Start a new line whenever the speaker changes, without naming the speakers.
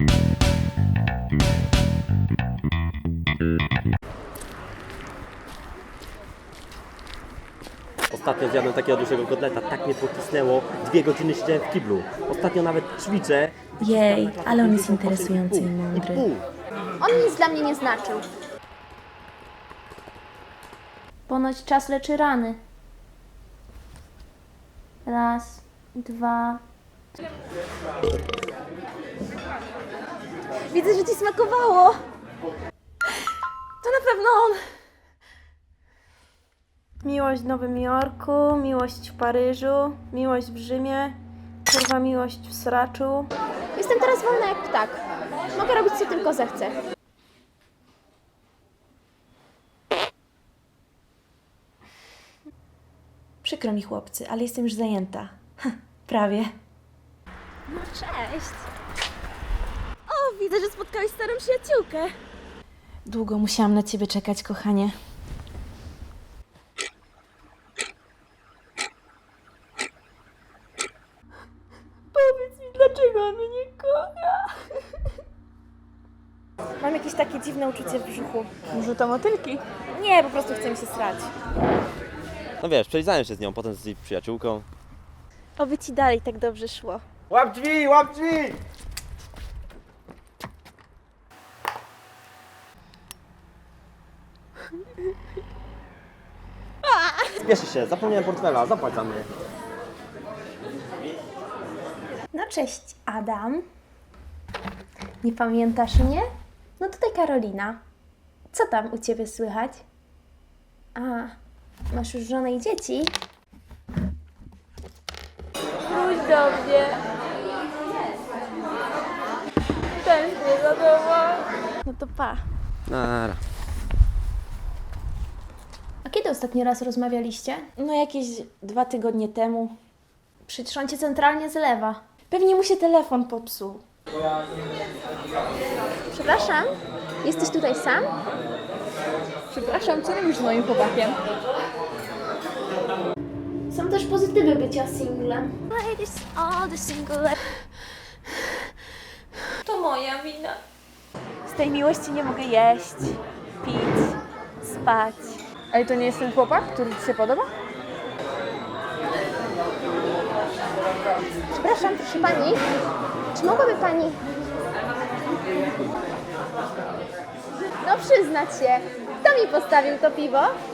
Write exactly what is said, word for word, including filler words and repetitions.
Ostatnio zjadłem takiego dużego kotleta, tak mnie pocisnęło, dwie godziny siedziałem w kiblu. Ostatnio nawet ćwiczę.
Jej, ale on jest interesujący i mądry.
On nic dla mnie nie znaczył.
Ponoć czas leczy rany. Raz, dwa.
Widzę, że ci smakowało.
To na pewno on. Miłość w Nowym Jorku, miłość w Paryżu, miłość w Rzymie, kurwa miłość w Sraczu.
Jestem teraz wolna jak ptak. Mogę robić co tylko zechcę.
Przykro mi chłopcy, ale jestem już zajęta. Prawie.
No cześć. O, widzę, że spotkałeś starą przyjaciółkę.
Długo musiałam na ciebie czekać, kochanie.
Powiedz mi, dlaczego on mnie nie kocha?
Mam jakieś takie dziwne uczucie w brzuchu.
Może to motylki?
Nie, po prostu chcę mi się srać.
No wiesz, przelizałem się z nią, potem z jej przyjaciółką.
Oby ci dalej tak dobrze szło.
Łap drzwi, łap drzwi!
Spieszy się, zapomniałem portfela, zapłać za mnie.
No cześć, Adam. Nie pamiętasz mnie? No tutaj Karolina. Co tam u ciebie słychać? A, masz już żonę i dzieci?
Wróć do mnie. Tęsknię za tobą.
No to pa.
Nara.
A kiedy ostatni raz rozmawialiście? No jakieś dwa tygodnie temu. Przecież on cię centralnie zlewa. Pewnie mu się telefon popsuł.
Przepraszam, jesteś tutaj sam? Przepraszam, co robisz z moim chłopakiem?
Są też pozytywy bycia singlem. To moja wina. Z tej miłości nie mogę jeść, pić, spać.
Ale to nie jest ten chłopak, który ci się podoba? Przepraszam, proszę pani, czy mogłaby pani... No przyznać się, kto mi postawił to piwo?